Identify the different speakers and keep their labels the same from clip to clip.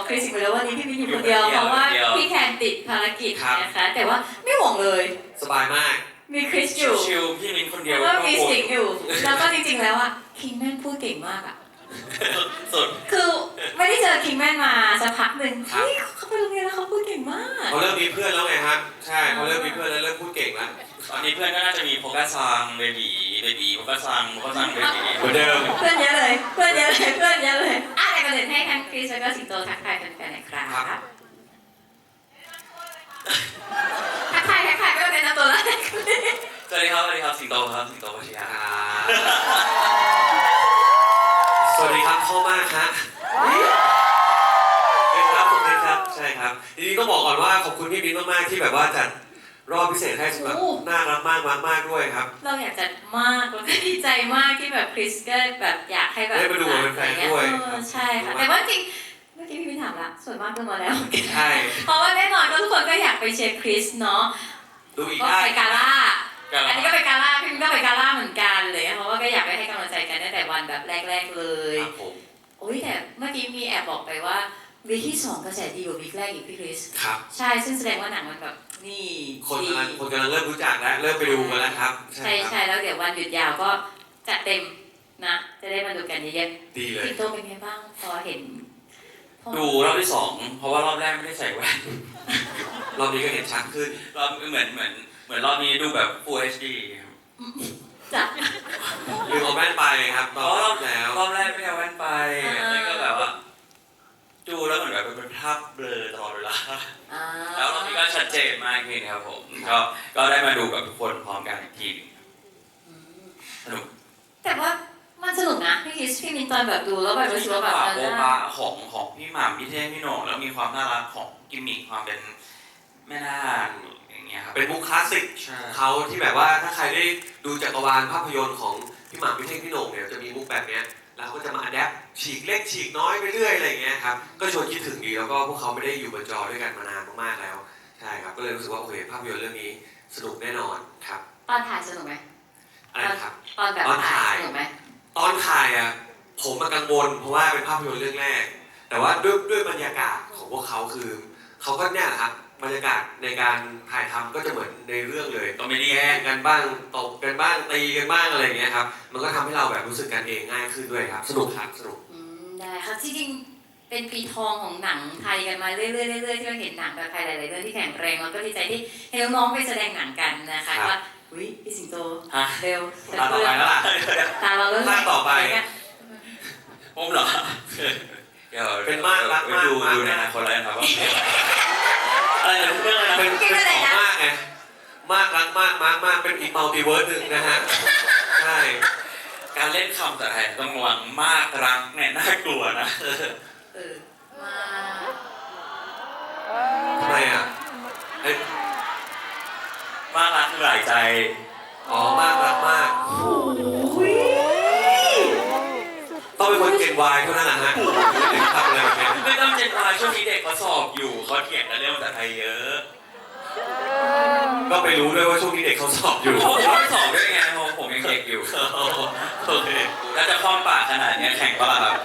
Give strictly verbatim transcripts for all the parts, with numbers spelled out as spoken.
Speaker 1: คริสอยู่แล้ววันนี้พี่มินอยู่คนเดียวเพราะว่าพี่แคนติดภารกิจนะคะแต่ว่าไม่ห่วงเลย
Speaker 2: สบายมาก
Speaker 1: มีคริสอยู่
Speaker 3: ชิวๆพี่มินคนเดียว
Speaker 1: แล้วก็มีสิงอยู่แล้วก็จริงๆแล้วอ่ะคิงแมนพูดเก่งมากอ่ะ
Speaker 3: สุด
Speaker 1: คือไม่ได้เจอคิงแมนมาสักพักหนึ่งเฮ้ยเขาไปโรงเรียนแล้วเขาพูดเก่งมาก
Speaker 2: เขาเริ่มมีเพื่อนแล้วไงครับใช่เขาเริ่มมีเพื่อนแล้วเริ่มพูดเก่งแล้ว
Speaker 3: ตอนนี้เพื่อนก็น่าจะมีโฟกัสซังเบบีเบบีโฟกัสซังโฟกัสซังเบบี
Speaker 2: เหมือนเดิม
Speaker 1: เพื่อนเยอะเลยเพื่อนเยอะเลยเพื่อนเยอะเลยอ่ะแต่ก่อนอื่นให้ทั้งคริสแล้วก็สิงโตทักทายแฟนๆหน่อยครับทักทายทักทายก็เป็นตัวแรก
Speaker 3: สวัสดีครับสวัสดีครับสิงโตครับสิงโตพัชยา
Speaker 2: สวัสดีครับพ่อมากครับเป็นครับผมเป็นครับใช่ครับทีนี้ต้องบอกก่อนว่าขอบคุณพี่มิ้นมากๆที่แบบว่าจัดรอบพิเศษให้สำหรับน่ารักมากมากๆด้วยครับ
Speaker 1: เราอยากจัดมากแล้วก็ดีใจมากที่แบบคริสก็แบบอยากให้แบบ
Speaker 2: ได้มาดูเป็นแฟนด้วย
Speaker 1: ใช่ค่ะแต่ว่าจริงเมื่อกี้พี่มิ้นถามละส่วนมากดูมาแล้ว
Speaker 2: ใช่
Speaker 1: เพราะว่าแน่นอนก็ทุกคนก็อยากไปเชียร์คริสเนาะ
Speaker 2: ดูอีก
Speaker 1: ได้ไปกาล่าอันนี้ก็ไปกาล่าพี่มิ้นก็ไปกาล่าเหมือนกันเลยเพราะว่าก็อยากไปให้กำลังใจกันตั้งแต่วันแบบแรกๆเลยโอ้ยแต่เมื่อกี้มีแอบบอกไปว่าวีคที่สองกระแสดีกว่าวีคแรกอีกพี่คริส
Speaker 2: ครับ
Speaker 1: ใช่ซึ่งแสดงว่าหนังมันแบบนี่
Speaker 2: คนกำลังคนกำลังเริ่มรู้จักแล้วเริ่มไปดูกันแล้วครับ
Speaker 1: ใช่ใช่แล้วเดี๋ยววันหยุดยาวก็จัดเต็มนะจะได้มาดูกันเยอะ
Speaker 2: ๆดีเลย
Speaker 1: พี่โตเป็นไงบ้างพอเห็น
Speaker 3: ดูรอบที่สองเพราะว่ารอบแรกไม่ได้ใส่แว่น
Speaker 2: รอบนี้ก็เห็นชัดขึ้น
Speaker 3: รอบเหมือนเหมือนเหมือนรอบนี้ดูแบบ Full เอช ดี
Speaker 1: จ้ะ
Speaker 2: ลืมเอาแว่นไปครับรอบแล้ว
Speaker 3: รอบแรกไม่เอาแว่นไปแล้วก็แบบว่าดูแล้วเหมือนแบบเป็นภาพเบลอตลอดเวลาแล้วรอบนี้ก็ชัดเจนมากขึ้นครับผมก็ก็ได้มาดูกับทุกคนพร้อมกันอีกทีสนุก
Speaker 1: แต่ว่ามันสนุกนะพี่คริสพี่มินตอนแบบดูแล้วแบบรู้สึกว่าแบบ
Speaker 3: โบบาของของพี่หม่ำพี่เท่พี่โหน่งแล้วมีความน่ารักของกิมมิคความเป็นแม่นาคอย่างเงี้ยครับ
Speaker 2: เป็นมุกคลาสสิกเขาที่แบบว่าถ้าใครได้ดูจักรวาลภาพยนตร์ของพี่หม่ำพี่เท่พี่โหน่งเนี่ยจะมีมุกแบบเนี้ยแล้วก็จะมาอัดแอปฉีกเล็กฉีกน้อยไปเรื่อยอะไรอย่างเงี้ยครับก็ชวนคิดถึงดีแล้วก็พวกเขาไม่ได้อยู่บนจอด้วยกันมานานมากๆแล้วใช่ครับก็เลยรู้สึกว่าโอเคภาพยนตร์เรื่องนี้สนุกแน่นอนครับ
Speaker 1: ตอนถ่ายสนุกไหม
Speaker 2: อะไรครับ
Speaker 1: ตอนแบบถ่ายสนุกไหม
Speaker 2: ตอนถ่ายอ่ะผมมากังวลเพราะว่าเป็นภาพยนตร์เรื่องแรกแต่ว่าด้วยด้วยบรรยากาศของพวกเขาคือเขาก็เนี่ยครับบรรยากาศในการถ่ายทำก็จะเหมือนในเรื่องเลย
Speaker 3: ต้องไม่ได้
Speaker 2: แย่งกันบ้างตบกันบ้างตีกันบ้างอะไรอย่างเงี้ยครับมันก็ทำให้เราแบบรู้สึกกันเองง่ายขึ้นด้วยครับสนุกครับสนุก
Speaker 1: ได้ครับจริงๆเป็นปีทองของหนังไทยกันมาเรื่อยๆเรื่อยๆที่เราเห็นหนังแบบไทยหลายๆเรื่องที่แข็งแรงแล้วก็ดีใจที่เห็นน้องๆไปแสดงหนังกันนะคะว่าอุ้ยพี่สิงโตเร็ว
Speaker 2: ตาต่อไปแล้วล่ะ
Speaker 1: ตาเราเริ่ม
Speaker 2: ภาคต่อไป
Speaker 3: ผมเหรอเดี๋ยว
Speaker 2: เป็นมากรักมาก
Speaker 3: ดูดูในอนาคตแล้วครับว่าอะไรเรื่องอะไร
Speaker 2: เป็นเป็นของมากไงมากรักมากมากมากเป็นอีกมัลติเวิร์สหนึ่งนะฮะใช่
Speaker 3: การเล่นคำแต่ไทยต้องระวังมากรักเนี่ยน่ากลัวนะ
Speaker 1: เออมา
Speaker 2: ทำไมอ่ะ
Speaker 3: มากรักหลายใจ
Speaker 2: อ๋อมากรักมากต้องเป็นคนเก่งวายเท่านั้นนะฮะทำอะไรแบบนี้
Speaker 3: ไม่ต้องเก่งวายช่วงนี้เด็กเขาสอบอยู่เขาเถียงกันเรื่องภาษาไทยเยอะ
Speaker 2: ก็ไปรู้ด้วยว่าช่วงนี้เด็กเขาสอบอยู่
Speaker 3: ผมไม่สอบด้วยไงเพราะผมยังเด็กอยู่โอเคถ้าจะคล่องปากขนาดนี้แข่งปะล่ะครับ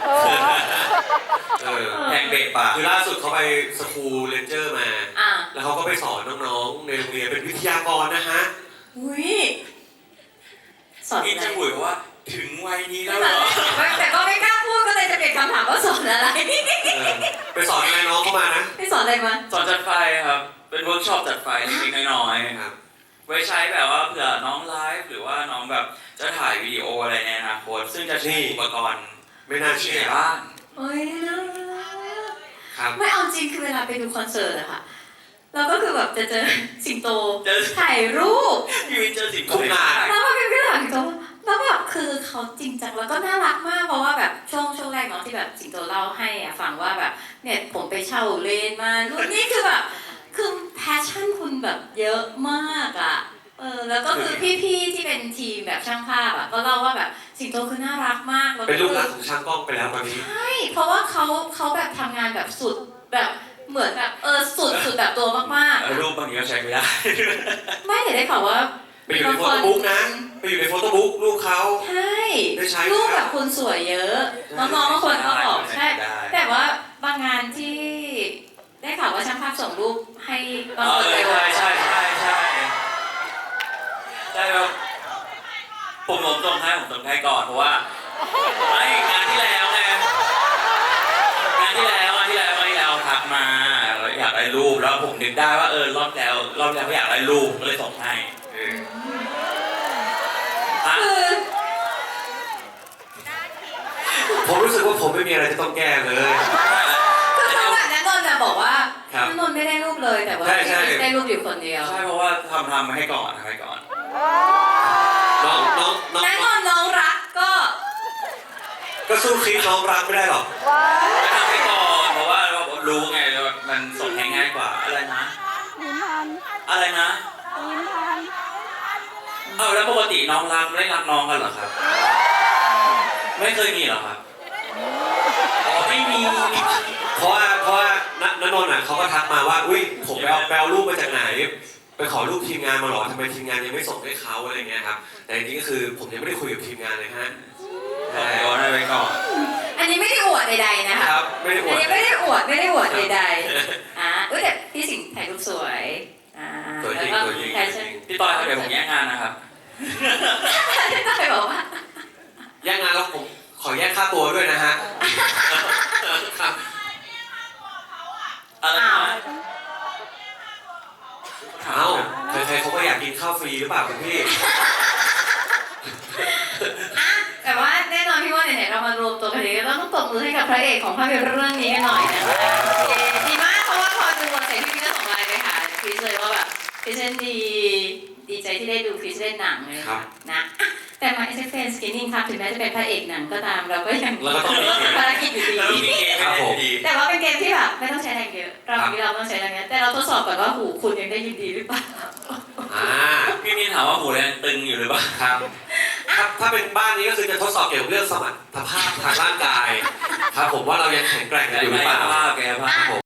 Speaker 3: แข่งเบรกปาก
Speaker 2: คือล่าสุดเขาไปสคูลเรนเจอร์มาแล้วเขาก็ไปสอนน้องๆในโรงเรียนเป็นวิทยากรนะฮะ
Speaker 1: อุ้ย
Speaker 3: สอนนี่จะบุ๋ยว่าถึงวัยนี้แล้วเหรอ
Speaker 1: แต่ก็ไม่กล้าพูดก็เลยจะเปลี่ยนคำถามว่าสอนอะไร
Speaker 2: ไปสอนอะไรน้องเข้ามานะ
Speaker 1: ไปสอนอะไรมา
Speaker 3: สอนจัดไฟครับเป็นเวิร์กช็อปจัดไฟเล็กๆน้อยๆครับไว้ใช้แบบว่าเผื่อน้องไลฟ์หรือว่าน้องแบบจะถ่ายวิดีโออะไรในอนาคตซึ่งจะใช้อุปกรณ์
Speaker 2: ไม่น่าเชื่อ
Speaker 3: บ้าน
Speaker 1: โอ้ยนะครับไม่เอาจริงคือเวลาไปดูคอนเสิร์ตอะค่ะเราก็คือแบบจะเจอสิงโตถ่ายรูป
Speaker 3: พี่วินเจอสิงโต
Speaker 2: ทุกงาน
Speaker 1: แล้วก็พี่วินถ่ายสิงโตแล้วแบบคือเขาจริงจังแล้วก็น่ารักมากเพราะว่าแบบช่วงช่วงแรกเนาะที่แบบสิงโตเล่าให้อะฟังว่าแบบเนี่ยผมไปเช่าเลนมารุ่นนี้คือแบบคือแพชชั่นคุณแบบเยอะมากอะเออแล้วก็คือพี่ๆที่เป็นทีมแบบช่างภาพอะก็เล่าว่าแบบสิงโตคือน่ารักมาก
Speaker 2: เป็นลูกรักของช่างกล้องไปแล้วตอนนี้
Speaker 1: ใช่เพราะว่าเขาเขาแบบทำงานแบบสุดแบบเหมือนแบบเออสุดสุดแบบตัวมาก
Speaker 3: ๆรูปบางทีก็ใช้ไม่ได้
Speaker 1: ไม่แต่ได้ข่าวว่า
Speaker 2: ไปอยู่ในโฟโต้บุ๊กนะไปอยู่ในโฟโต้บุ๊กรูปเขา
Speaker 1: ใช่รูปแบบคุณสวยเยอะน้องๆบางคนก็บอกใช่แต่ว่าบางงานที่ว่าช่างภาพส่งรูปให้ตอน
Speaker 3: เอ
Speaker 1: เปิด
Speaker 3: อ
Speaker 1: ไป
Speaker 3: ใช่ใช่ใช่ใช่ใช่ครับผมผมส่งให้ผมส่งให้ก่อนเพราะว่าไอ้งานที่แล้วไงงานที่แล้วงานที่แล้วงานที่แล้วทักมาแล้วอยากได้รูปแล้วผมนึกได้ว่าเออรอบแล้วรอบแล้วก็อยากได้รูปก็เลยส่งให้
Speaker 2: เออ
Speaker 3: ฮะ
Speaker 1: คือ
Speaker 2: ผมรู้สึกว่าผมไม่มีอะไรจะต้องแก้เลย
Speaker 1: คือเขาแบบนั้นนนท์น่ะบอกว่า
Speaker 2: ครับ
Speaker 1: นนท์ไม่ได้รูปเลยแต่ว่า
Speaker 2: ใช่ใช่
Speaker 1: ได้รูปอยู่คนเดียว
Speaker 3: ใช่เพราะว่าทำทำมาให้ก่อนทำให้ก่อน
Speaker 2: น้องน้องน้อง
Speaker 1: นั้นนนท์น้องรักก็
Speaker 2: ก็สู้คลิปน้องรักไม่ได้หรอก
Speaker 3: ก็ทำให้ก่อนเพราะว่าเรารู้ไงว่ามันส่งให้ง่ายกว่าอะไรนะ
Speaker 4: ลิ้นพัน
Speaker 3: อะไรนะ
Speaker 4: ลิ้นพัน
Speaker 3: เอาแล้วปกติน้องรักไม่ได้รักน้องกันเหรอครับ ไม่เคยมีเหรอครับอ๋อไม่มี
Speaker 2: เพราะว่าเพราะว่าณณนนท์อ่ะเขาก็ทักมาว่าอุ้ยผมไปเอาไปเอารูปมาจากไหนไปขอรูปทีมงานมาหรอทำไมทีมงานยังไม่ส่งให้เขาอะไรเงี้ยครับแต่จริงๆก็คือผมยังไม่ได้คุยกับทีมงานเลยฮะ
Speaker 3: ขอโยนให้ไว้ก่อน
Speaker 1: อันนี้ไม่ได้อวดใดๆนะคะ
Speaker 2: ครับไม่ได้อ
Speaker 1: อั
Speaker 2: วน ด
Speaker 1: นี้ไม่ได้อวดไม่ได้อวดใดๆอ่าเอ้ยแต่พี่สิงห์ถ่ายรูปสวยอ่า
Speaker 2: สวยจริง
Speaker 1: แล้วก็
Speaker 2: สวยจริง
Speaker 1: ถ่าย
Speaker 2: สวย
Speaker 1: เช่น
Speaker 2: จริง
Speaker 3: พี่ต้อยครับเดี๋ยวผมแย่งงานนะครับ
Speaker 1: พี่ต้อยบอกว่า
Speaker 2: แย่งงานแล้วผมขอแยกค่าตัวด้วยนะฮะครับ
Speaker 3: อะไร
Speaker 1: อ้าว
Speaker 3: นะ
Speaker 2: เอ้าใครๆเขาก็อยากกินข้าวฟรีหรือเปล่าคุณพี่
Speaker 1: อ่ะแต่ว่าแน่นอนพี่ว่าไหนๆเรามารวมตัวกันนี้ก็ต้องตบมือให้กับพระเอกของภาพยนตร์เรื่องนี้กันหน่อยนะคะเย้ดีมากเพราะว่าพอดูเสร็จพี่ก็ส่งไลน์ไปหาคริสเลยว่าแบบคริสเล่นดีดีใจที่ได้ดูคริสเล่นหนังเลย
Speaker 2: ครับ
Speaker 1: นะอ่ะแต่มาเอสเฟนสกินนิ่งครับถึงแม้จะเป็นพระเอกหนังก็ตามเราก็ยัง
Speaker 2: เราก็ต้องมีเกม
Speaker 1: ภารกิจอยู่
Speaker 3: แล้ว
Speaker 1: ดี
Speaker 3: มีเกม
Speaker 2: ครับผม
Speaker 3: ดี
Speaker 1: แต่ว่าเป็นเกมที่แบบไม่ต้องใช้แรงเยอะรอบนี้เราต้องใช้แรงเยอะแต่เราทดสอบก่อนว่าหูคุณยังได้ยินดีหรือเปล่า
Speaker 2: อ่า
Speaker 3: พี่มินถามว่าหมูแดงตึงอยู่หรือเปล่า
Speaker 2: ครับถ้าถ้าเป็นบ้านนี้ก็คือจะทดสอบเกี่ยวกับเรื่องสมรรถภาพทางร่างกาย ครับผมว่าเรายังแข็งแกร่งกันอยู่หรือเปล่า
Speaker 3: แกภาพแกภาพผม